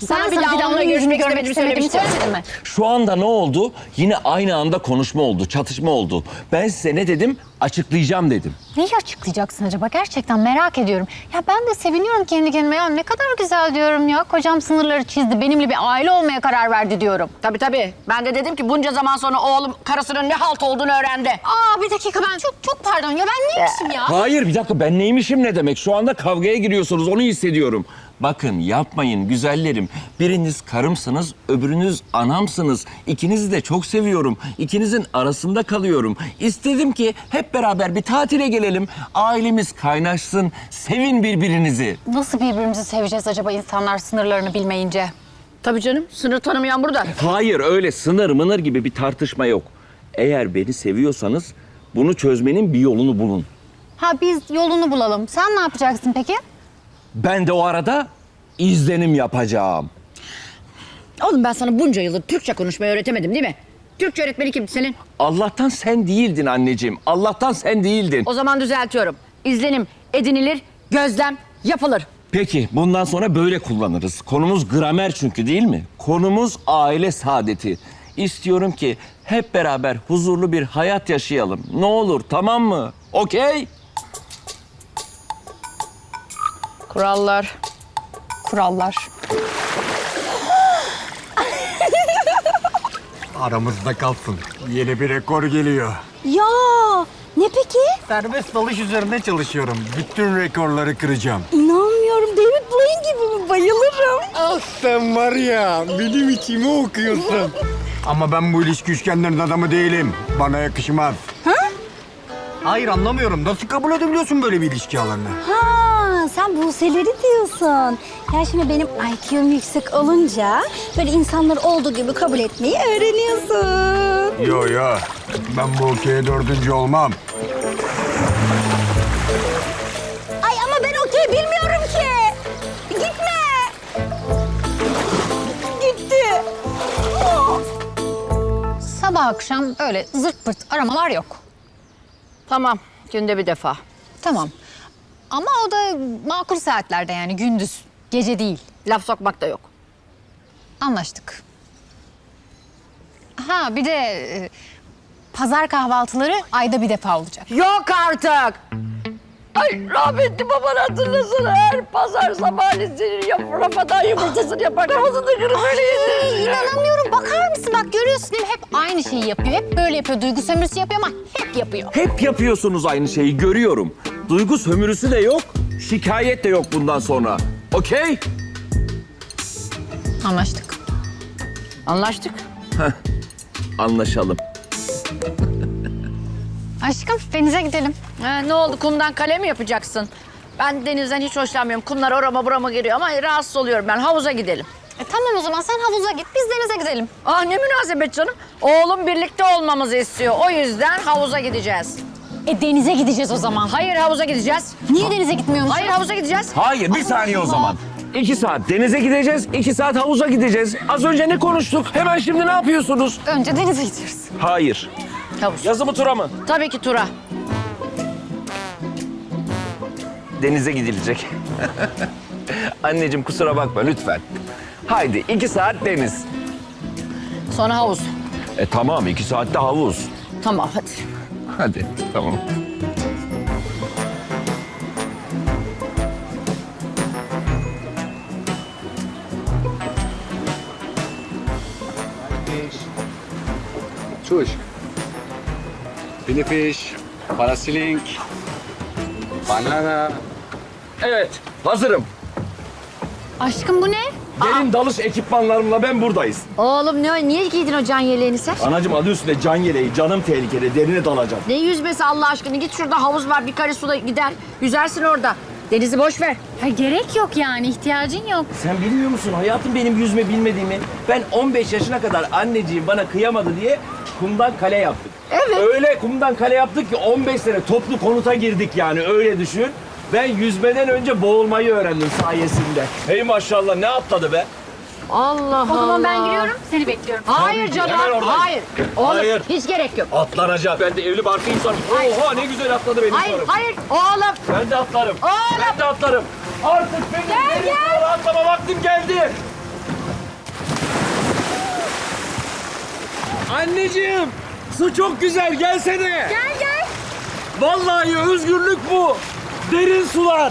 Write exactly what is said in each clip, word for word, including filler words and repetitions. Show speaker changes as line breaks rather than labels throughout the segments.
Sana bir daha onunla görüşmek istemediğimi söylemiştim.
mi?
Şu anda ne oldu? Yine aynı anda konuşma oldu, çatışma oldu. Ben size ne dedim? Açıklayacağım dedim.
Neyi açıklayacaksın acaba? Gerçekten merak ediyorum. Ya ben de seviniyorum kendi kendime. Ya ne kadar güzel diyorum ya. Kocam sınırları çizdi. Benimle bir aile olmaya karar verdi diyorum.
Tabii tabii. Ben de dedim ki bunca zaman sonra oğlum karısının ne halt olduğunu öğrendi.
Aa bir dakika ben çok çok pardon ya ben neymişim ya?
Hayır bir dakika ben neymişim ne demek? Şu anda kavgaya giriyorsunuz onu hissediyorum. Bakın yapmayın güzellerim. Biriniz karımsınız, öbürünüz anamsınız. İkinizi de çok seviyorum. İkinizin arasında kalıyorum. İstedim ki hep beraber bir tatile gelelim. Ailemiz kaynaşsın, sevin birbirinizi.
Nasıl birbirimizi seveceğiz acaba insanlar sınırlarını bilmeyince?
Tabii canım. Sınır tanımayan burada.
Hayır öyle sınır mınır gibi bir tartışma yok. Eğer beni seviyorsanız bunu çözmenin bir yolunu bulun.
Ha biz yolunu bulalım. Sen ne yapacaksın peki?
Ben de o arada izlenim yapacağım.
Oğlum ben sana bunca yıldır Türkçe konuşmayı öğretemedim değil mi? Türkçe öğretmeni kimdi senin?
Allah'tan sen değildin anneciğim. Allah'tan sen değildin.
O zaman düzeltiyorum. İzlenim edinilir, gözlem yapılır.
Peki bundan sonra böyle kullanırız. Konumuz gramer çünkü değil mi? Konumuz aile saadeti. İstiyorum ki hep beraber huzurlu bir hayat yaşayalım. Ne olur tamam mı? Okey?
Kurallar.
Kurallar.
Aramızda kalsın. Yeni bir rekor geliyor.
Ya ne peki?
Serbest dalış üzerinde çalışıyorum. Bütün rekorları kıracağım.
İnanmıyorum. David Blaine gibi mi? Bayılırım.
Ah sen var ya, benim içimi okuyorsun. Ama ben bu ilişki üçgenlerin adamı değilim. Bana yakışmaz.
Ha?
Hayır anlamıyorum. Nasıl kabul edebiliyorsun böyle bir ilişki alanını?
Ha, sen Buse'leri diyorsun. Ya şimdi benim I Q'm yüksek olunca böyle insanları olduğu gibi kabul etmeyi öğreniyorsun.
Yo yo. Ben bu okey'e dördüncü olmam.
Ay ama ben okey bilmiyorum ki. Gitme. Gitti. Oh.
Sabah akşam öyle zırt pırt aramalar yok.
Tamam. Günde bir defa.
Tamam. Ama o da makul saatlerde yani gündüz, gece değil.
Laf sokmak da yok.
Anlaştık. Ha bir de e, pazar kahvaltıları ayda bir defa olacak.
Yok artık. Ay rahmetli baban hatırlasana her pazar sabahleyin senin yap rafadan yumurtasını yapar kafasını kırıp böyle
Ay,
yedirir.
inanamıyorum. Bakar mısın? Bak görüyorsun değil mi? Hep aynı şeyi yapıyor. Hep böyle yapıyor. Duygu sömürüsü yapıyor ama hep yapıyor.
Hep yapıyorsunuz aynı şeyi görüyorum. Duygu sömürüsü de yok, şikayet de yok bundan sonra. Okey?
Anlaştık.
Anlaştık.
Anlaşalım.
Aşkım denize gidelim.
Ha, ne oldu kumdan kale mi yapacaksın? Ben denizden hiç hoşlanmıyorum. Kumlar orama burama giriyor ama rahatsız oluyorum ben. Havuza gidelim.
E, tamam o zaman sen havuza git. Biz denize gidelim.
Ah ne münasebet canım. Oğlum birlikte olmamızı istiyor. O yüzden havuza gideceğiz.
E denize gideceğiz o zaman.
Hayır havuza gideceğiz.
Niye denize gitmiyormuşuz?
Hayır havuza gideceğiz.
Hayır bir saniye o zaman. İki saat denize gideceğiz, iki saat havuza gideceğiz. Az önce ne konuştuk? Hemen şimdi ne yapıyorsunuz?
Önce denize gidiyoruz.
Hayır.
Havuz.
Yazı mı tura mı?
Tabii ki Tura.
Denize gidilecek. Anneciğim kusura bakma lütfen. Haydi iki saat deniz.
Sonra havuz.
E tamam iki saatte havuz.
Tamam hadi.
Hadi tamam.
Çuş. Pinifiş, parasiling, banana.
Evet hazırım.
Aşkım bu ne?
Gelin dalış ekipmanlarımla ben buradayız.
Oğlum ne, niye giydin o can yeleğini sen?
Anacığım adı üstünde can yeleği, canım tehlikeli, derine dalacağım.
Ne yüzmesi Allah aşkına? Git şurada havuz var bir kare suda gider. Yüzersin orada. Denizi boş ver.
Ha, gerek yok yani ihtiyacın yok.
Sen bilmiyor musun hayatım benim yüzme bilmediğimi? Ben on beş yaşına kadar anneciğim bana kıyamadı diye kumdan kale yaptık.
Evet.
Öyle kumdan kale yaptık ki on beş sene toplu konuta girdik yani öyle düşün. Ben yüzmeden önce boğulmayı öğrendim sayesinde. Hey maşallah ne atladı be.
Allah Allah.
O zaman ben giriyorum seni bekliyorum.
Hayır
Tabii ki,
canım.
hemen oradan.
Hayır. Oğlum
Hayır.
hiç gerek yok.
Atlanacak. Ben de evli barklı insanım.
Hayır.
Oha ne güzel atladı benim
Hayır,
karım.
hayır. Oğlum.
Ben de atlarım.
Oğlum.
Ben de atlarım. Artık benim
Gel,
benim
gel.
sonra atlama vaktim geldi. Anneciğim, su çok güzel. Gelsene.
Gel gel.
Vallahi özgürlük bu. Derin sular.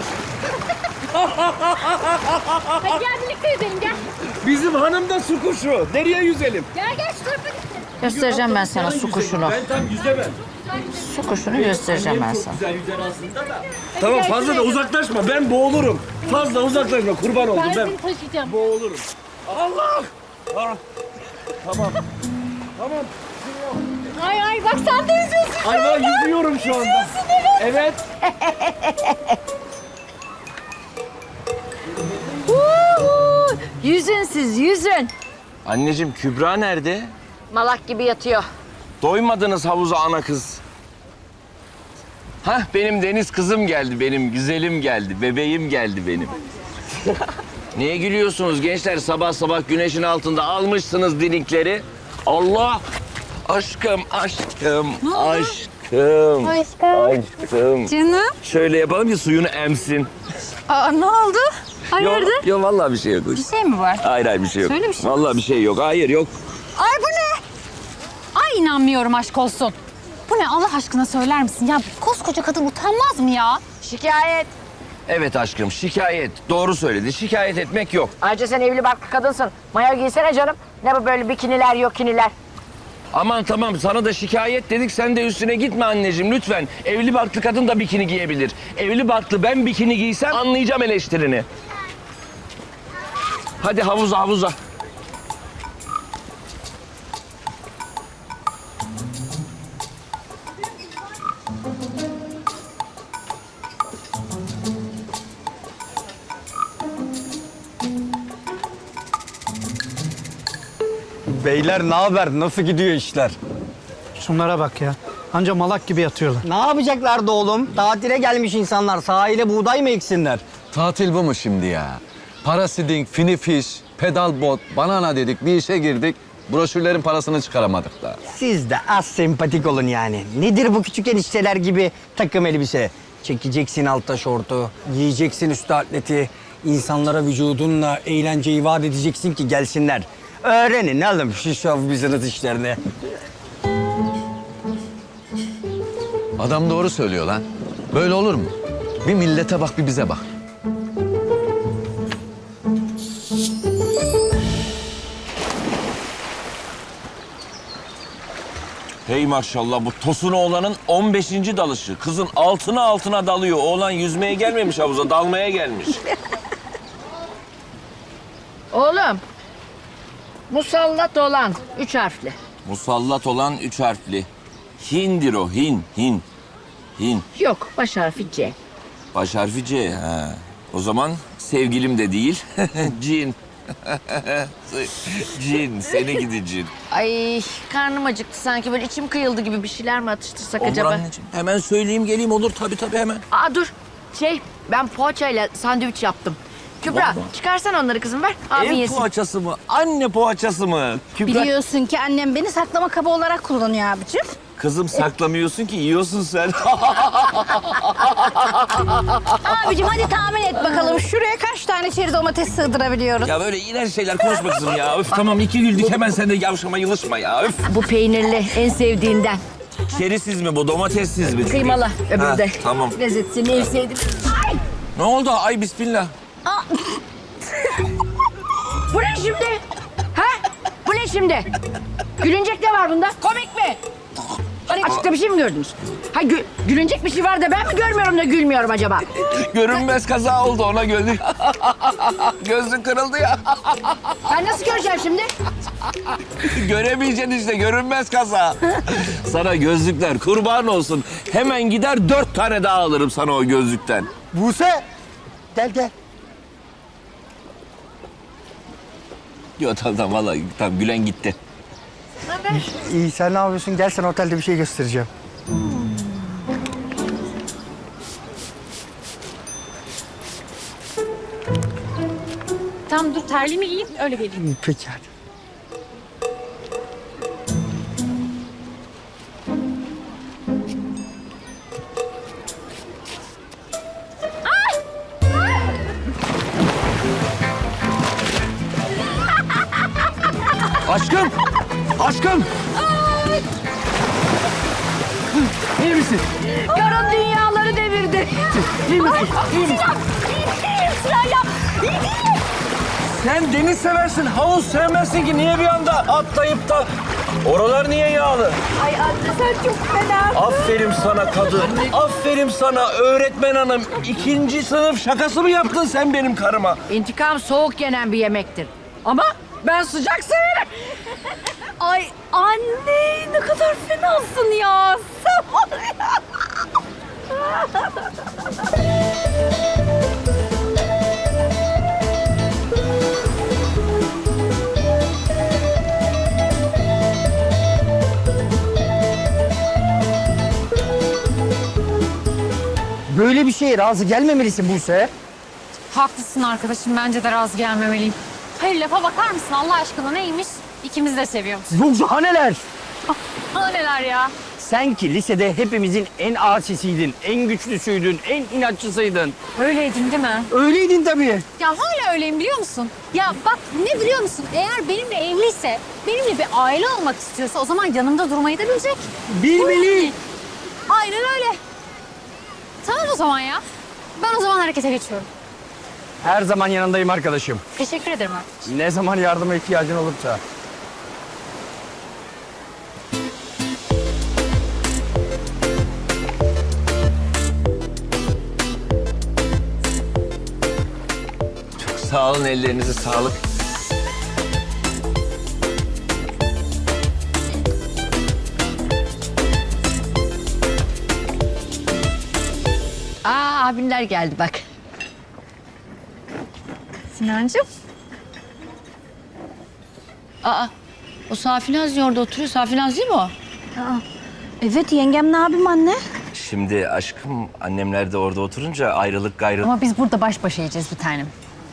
Hadi gel birlikte yüzelim gel.
Bizim hanım da su kuşu. Deriye yüzelim.
Gel gel şu tarafa git.
Göstereceğim ben sana su kuşunu.
Ben tam yüzemem.
Su kuşunu göstereceğim ben sana.
Güzel yüzer aslında da. Tamam fazla da uzaklaşma. Ben boğulurum. Fazla uzaklaşma. Kurban oldum ben.
seni taşıyacağım.
Boğulurum. Allah! Ah. Tamam. Tamam.
Ay ay bak sen de yüzüyorsun.
Ay ben yüzüyorum şu anda. Evet.
Huhu! Yüzün siz, yüzün.
Anneciğim Kübra nerede?
Malak gibi yatıyor.
Doymadınız havuza ana kız. Hah benim deniz kızım geldi, benim güzelim geldi, bebeğim geldi benim. Niye gülüyorsunuz gençler? Sabah sabah güneşin altında almışsınız dinikleri. Allah! Aşkım, aşkım, aşkım,
Aşkım.
aşkım.
Canım.
Şöyle yapalım ki suyunu emsin.
Aa ne oldu?
Yok,
Hayırdır?
yok vallahi bir şey yok.
Bir şey mi var?
Hayır hayır bir şey yok.
Söyle bir şey.
Vallahi bir şey yok. Hayır yok.
Ay bu ne? Ay inanmıyorum aşk olsun. Bu ne Allah aşkına söyler misin? Ya koskoca kadın utanmaz mı ya?
Şikayet.
Evet aşkım şikayet. Doğru söyledi. Şikayet etmek yok.
Ayrıca sen evli barklı kadınsın. Mayo giysene canım. Ne bu böyle bikiniler, yokiniler.
Aman tamam sana da şikayet dedik sen de üstüne gitme anneciğim lütfen. Evli barklı kadın da bikini giyebilir. Evli barklı ben bikini giysem anlayacağım eleştirini. Hadi havuza havuza.
Beyler ne haber? Nasıl gidiyor işler?
Şunlara bak ya. Anca malak gibi yatıyorlar.
Ne yapacaklardı oğlum? Tatile gelmiş insanlar. Sahile buğday mı eksinler?
Tatil bu mu şimdi ya? Parasiding, finifiş, pedal bot, banana dedik, bir işe girdik. Broşürlerin parasını çıkaramadık da.
Siz de az sempatik olun yani. Nedir bu küçük enişteler gibi takım elbise? Çekeceksin altta şortu, giyeceksin üstü atleti. İnsanlara vücudunla eğlenceyi vaat edeceksin ki gelsinler. Öğrenin oğlum şu show business işlerini.
Adam doğru söylüyor lan. Böyle olur mu? Bir millete bak, bir bize bak.
Hey maşallah bu Tosun oğlanın on beşinci dalışı. Kızın altına altına dalıyor. Oğlan yüzmeye gelmemiş havuza dalmaya gelmiş.
Oğlum. Musallat olan üç harfli.
Musallat olan üç harfli. Hindir o hin hin. Hin.
Yok, baş harfi C.
Baş harfi C. Ha. O zaman sevgilim de değil. Cin. Cin. Seni gidi cin.
Ay karnım acıktı sanki böyle içim kıyıldı gibi bir şeyler mi atıştırsak
Olur
acaba?
anneciğim. Hemen söyleyeyim geleyim olur tabii tabii hemen.
Aa dur şey ben poğaçayla sandviç yaptım. Kübra
Vallahi.
çıkarsan onları kızım ver abi
Ev
yesin.
poğaçası mı? Anne poğaçası mı? Kübra.
Biliyorsun ki annem beni saklama kabı olarak kullanıyor abicim.
Kızım saklamıyorsun ki yiyorsun sen.
Abicim hadi tahmin et bakalım şuraya kaç tane çeri domates sığdırabiliyoruz?
Ya böyle iğrenç şeyler konuşma kızım ya. Öf tamam iki güldük hemen sen de yavşama yılışma ya. Öf.
Bu peynirli en sevdiğinden.
Şerisiz mi bu domatessiz mi?
Kıymalı öbürü
Ha,
de.
tamam.
Lezzetini en sevdiğim.
Ne oldu? Ay bismillah.
Bu ne şimdi? Ha? Bu ne şimdi? Gülünecek ne var bunda? Komik mi? Hani açıkta bir şey mi gördünüz? Ha gü- gülünecek bir şey var da ben mi görmüyorum da gülmüyorum acaba?
Görünmez kaza oldu ona güldük. Gözün kırıldı ya.
Ben nasıl göreceğim şimdi?
Göremeyeceksin işte görünmez kaza. Sana gözlükler kurban olsun. Hemen gider dört tane daha alırım sana o gözlükten.
Buse gel gel.
Yok tamam tamam vallahi tamam Gülen gitti.
İyi sen ne yapıyorsun? Gel sana otelde bir şey göstereceğim.
Tamam dur terliğimi giyeyim öyle geleyim.
Peki hadi.
Aşkım! Aşkım! İyi misin?
Karın dünyaları devirdi.
İyi misin? İyi misin?
Sıra ya.
Sen deniz seversin, havuz sevmezsin ki. Niye bir anda atlayıp da... Oralar niye yağlı?
Ay anne sen çok fena.
Aferin sana kadın. Aferin sana öğretmen hanım. İkinci sınıf şakası mı yaptın sen benim karıma?
İntikam soğuk yenen bir yemektir. Ama ben sıcak severim.
Ay anne ne kadar fenasın ya. Sen var ya.
Böyle bir şeye razı gelmemelisin Buse.
Haklısın arkadaşım. Bence de razı gelmemeliyim. Hayır lafa bakar mısın Allah aşkına neymiş? İkimiz de seviyoruz.
Yok daha neler.
Aa, neler ya?
Sen ki lisede hepimizin en asisiydin, en güçlüsüydün, en inatçısıydın.
Öyleydin değil mi?
Öyleydin tabii.
Ya hala öyleyim biliyor musun? Ya bak ne biliyor musun? Eğer benimle evliyse, benimle bir aile olmak istiyorsa o zaman yanımda durmayı da bilecek.
Bilmeli.
Aynen öyle. Tamam o zaman ya. Ben o zaman harekete geçiyorum.
Her zaman yanındayım arkadaşım.
Teşekkür ederim arkadaşım.
Ne zaman yardıma ihtiyacın olursa.
Çok sağ olun, ellerinize sağlık.
Aa abinler geldi bak.
Sinancığım.
Aa o Safinaz orada oturuyor. Safinaz değil mi o?
Evet yengem ne yapayım anne?
Şimdi aşkım annemler de orada oturunca ayrılık gayrılık.
Ama biz burada baş başa yiyeceğiz bir tanem.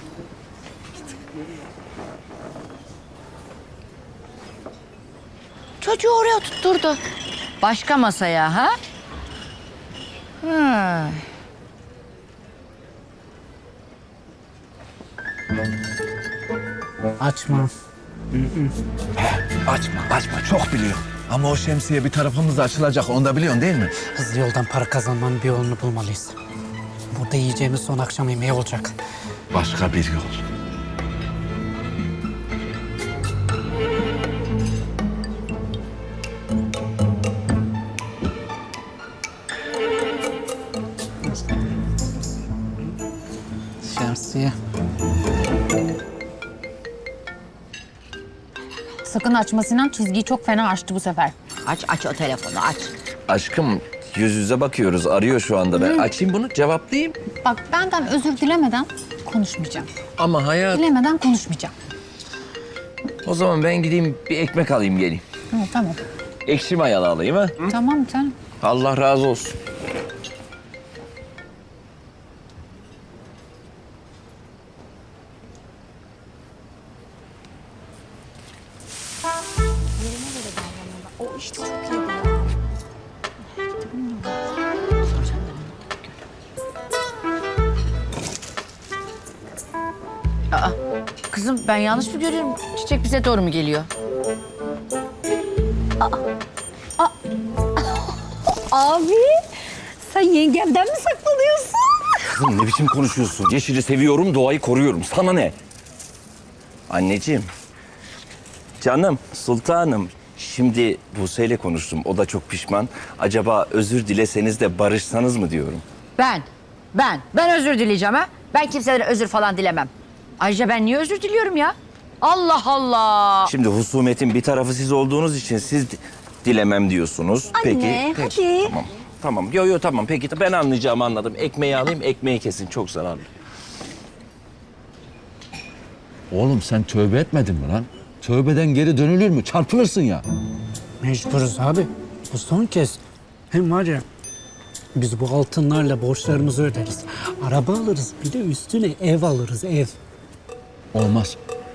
Çocuğu oraya tutturdu. Başka masaya ha? Ha.
Açma.
Açma, açma. Çok biliyorum. Ama o şemsiye bir tarafımızda açılacak. Onu da biliyorsun değil mi?
Hızlı yoldan para kazanmanın bir yolunu bulmalıyız. Burada yiyeceğimiz son akşam yemeği olacak.
Başka bir yol.
Şemsiye.
Sakın açma Sinan. Çizgiyi çok fena açtı bu sefer.
Aç aç o telefonu aç.
Aşkım yüz yüze bakıyoruz. Arıyor şu anda. Ben açayım bunu, cevaplayayım.
Bak benden özür dilemeden konuşmayacağım.
Ama hayat...
Dilemeden konuşmayacağım.
O zaman ben gideyim bir ekmek alayım geleyim.
Hı, tamam.
Ekşi mayalı alayım ha.
Tamam canım.
Allah razı olsun.
Aa kızım ben yanlış mı görüyorum? Çiçek bize doğru mu geliyor?
Abi sen yengemden mi saklanıyorsun?
Kızım ne biçim konuşuyorsun? Yeşili seviyorum, doğayı koruyorum. Sana ne? Anneciğim, canım, sultanım. Şimdi Buse'yle konuştum. O da çok pişman. Acaba özür dileseniz de barışsanız mı diyorum.
Ben, ben, ben özür dileyeceğim ha. Ben kimseden özür falan dilemem. Ayrıca ben niye özür diliyorum ya? Allah Allah.
Şimdi husumetin bir tarafı siz olduğunuz için siz di- dilemem diyorsunuz.
Anne,
peki,
hadi.
peki. Tamam, tamam. Yo yo tamam. Peki ben anlayacağımı anladım. Ekmeği alayım, ekmeği kesin. Çok zararlı.
Oğlum sen tövbe etmedin mi lan? Tövbeden geri dönülür mü? Çarpılırsın ya.
Mecburuz abi. Bu son kez. Hem var ya biz bu altınlarla borçlarımızı öderiz. Araba alırız bir de üstüne ev alırız ev.
Olmaz.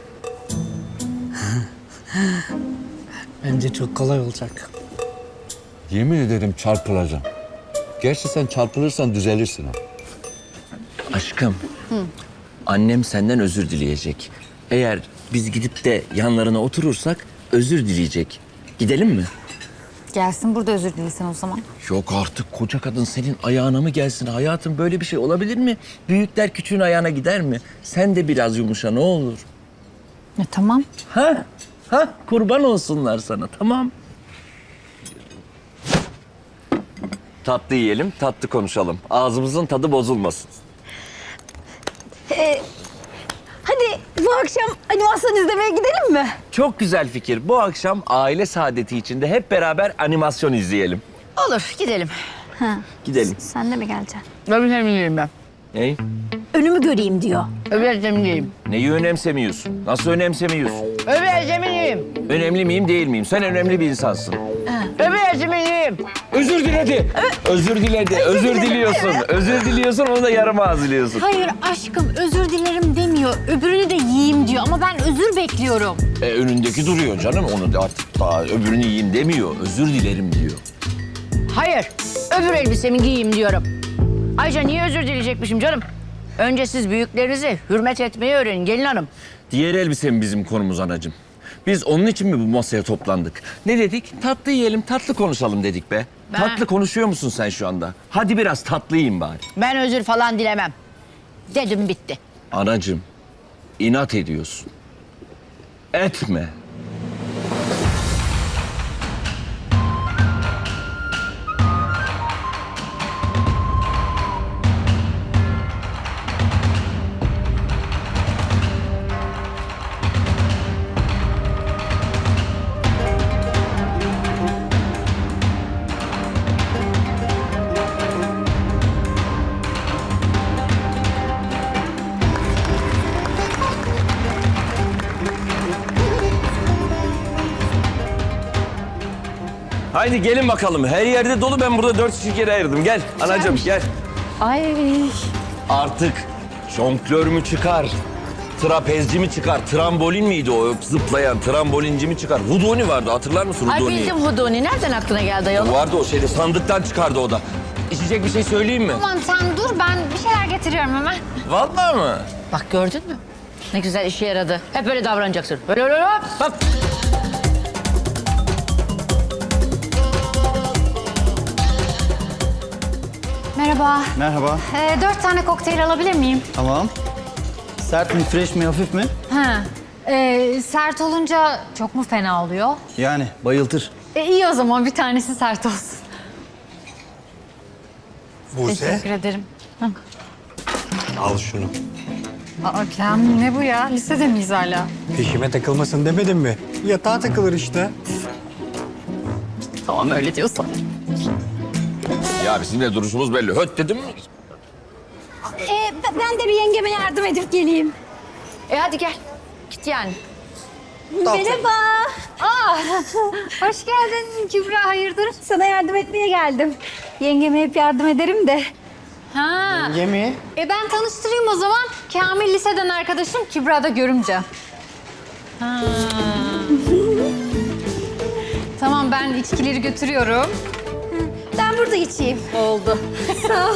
Bence çok kolay olacak.
Yemin ederim çarpılacağım. Gerçi sen çarpılırsan düzelirsin ha.
Aşkım, annem senden özür dileyecek. Eğer biz gidip de yanlarına oturursak özür dileyecek. Gidelim mi?
gelsin. Burada özür dilesin o zaman.
Yok artık koca kadın senin ayağına mı gelsin hayatım? Böyle bir şey olabilir mi? Büyükler küçüğün ayağına gider mi? Sen de biraz yumuşa ne olur.
Ya tamam.
Ha? Ha? Kurban olsunlar sana tamam. Tatlı yiyelim, tatlı konuşalım. Ağzımızın tadı bozulmasın.
Ee, hadi bu akşam animasyon izlemeye gidelim mi?
Çok güzel fikir. Bu akşam aile saadeti içinde hep beraber animasyon izleyelim.
Olur gidelim.
Gidelim.
Sen de mi geleceksin?
Öbür temizleyeyim ben.
Ney?
Önümü göreyim diyor.
Öbür temizleyeyim.
Neyi önemsemiyorsun? Nasıl önemsemiyorsun?
Öbür temizleyeyim.
Önemli miyim değil miyim? Sen önemli bir insansın.
Öbür temizleyeyim.
Özür diledi. Özür diledi. Özür diliyorsun. Özür diliyorsun onu da yarım ağzılıyorsun.
Hayır aşkım özür dilerim demiyor. Öbürünü de yiyeyim diyor ama ben özür bekliyorum.
E, önündeki duruyor canım. Onu da artık daha öbürünü yiyeyim demiyor. Özür dilerim diyor.
Hayır. Öbür elbisemi giyeyim diyorum. Ayrıca niye özür dileyecekmişim canım? Önce siz büyüklerinizi hürmet etmeyi öğrenin gelin hanım.
Diğer elbise mi bizim konumuz anacığım? Biz onun için mi bu masaya toplandık? Ne dedik? Tatlı yiyelim, tatlı konuşalım dedik be.
Ben-
Tatlı konuşuyor musun sen şu anda? Hadi biraz tatlı yiyin bari.
Ben özür falan dilemem. Dedim bitti.
Anacığım, inat ediyorsun. Etme. Haydi gelin bakalım. Her yerde dolu. Ben burada dört şirkete ayırdım. Gel anacığım gel.
Ay.
Artık jonglör mü çıkar? Trapezci mi çıkar? Trambolin miydi o zıplayan? Trambolinci mi çıkar? Hudoni vardı. Hatırlar mısın
Ay
Hudoni'yi?
bildim Hudoni. Nereden aklına geldi ayol?
Vardı o şeyde. Sandıktan çıkardı o da. İçecek bir şey söyleyeyim mi?
Aman sen dur ben bir şeyler getiriyorum hemen.
Vallahi mı?
Bak gördün mü? Ne güzel işe yaradı. Hep böyle davranacaksın. Böyle böyle hop. Bak.
Merhaba.
Merhaba.
Ee, dört tane kokteyl alabilir miyim?
Tamam. Sert mi, fresh mi, hafif mi?
Ha. Ee, sert olunca çok mu fena oluyor?
Yani bayıltır.
E, iyi o zaman bir tanesi sert olsun.
Buse,
Teşekkür ederim.
al şunu.
Aa Kem, ne bu ya? Lisede miyiz hala?
Peşime takılmasın demedim mi? Yatağa takılır işte.
Tamam öyle diyorsan.
Ya bizim de duruşumuz belli. Höt dedim mi?
Ee, ben de bir yengeme yardım edip geleyim.
E hadi gel. Git yani.
Merhaba.
Aa, hoş geldin Kübra, hayırdır?
Sana yardım etmeye geldim. Yengeme hep yardım ederim de.
Ha.
Yemi.
E ben tanıştırayım o zaman. Kamil liseden arkadaşım, Kübra da görümce. Ha. Tamam ben içkileri götürüyorum.
Ben burada içeyim.
Oldu.
Sağ ol.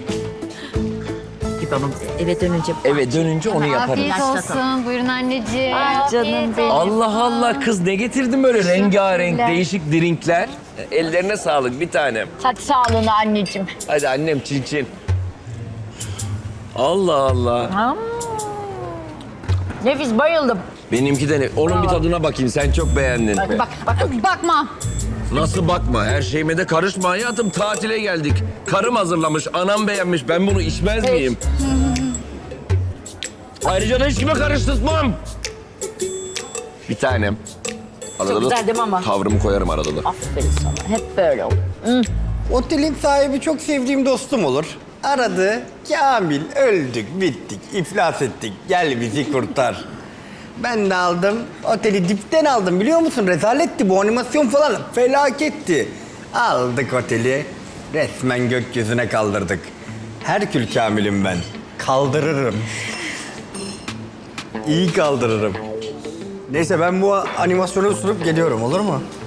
Git babam eve dönünce.
Eve dönünce onu yaparım.
Afiyet olsun. Buyurun anneciğim.
Ay canım
Afiyet
benim.
olsun.
Allah Allah kız ne getirdin böyle rengarenk değişik drinkler. Ellerine sağlık bir tanem.
Hadi sağlığına anneciğim.
Hadi annem çin çin. Allah Allah.
Nefis bayıldım.
Benimki de ne? Onun bir tadına bakayım sen çok beğendin.
Bak bak. bak.
Bakma.
Nasıl bakma her şeyime de karışma hayatım tatile geldik. Karım hazırlamış anam beğenmiş ben bunu içmez miyim? Ayrıca da hiç kime karıştırmam. Bir tanem. Arada da
güzel değil mi ama?
tavrımı koyarım arada da.
Aferin sana. Hep böyle ol.
Otelin sahibi çok sevdiğim dostum olur. Aradı. Kamil öldük, bittik, iflas ettik. Gel bizi kurtar. Ben de aldım. Oteli dipten aldım biliyor musun? Rezaletti bu animasyon falan. Felaketti. Aldık oteli. Resmen gökyüzüne kaldırdık. Herkül Kamil'im ben. Kaldırırım. İyi kaldırırım. Neyse ben bu animasyonu sunup geliyorum olur mu?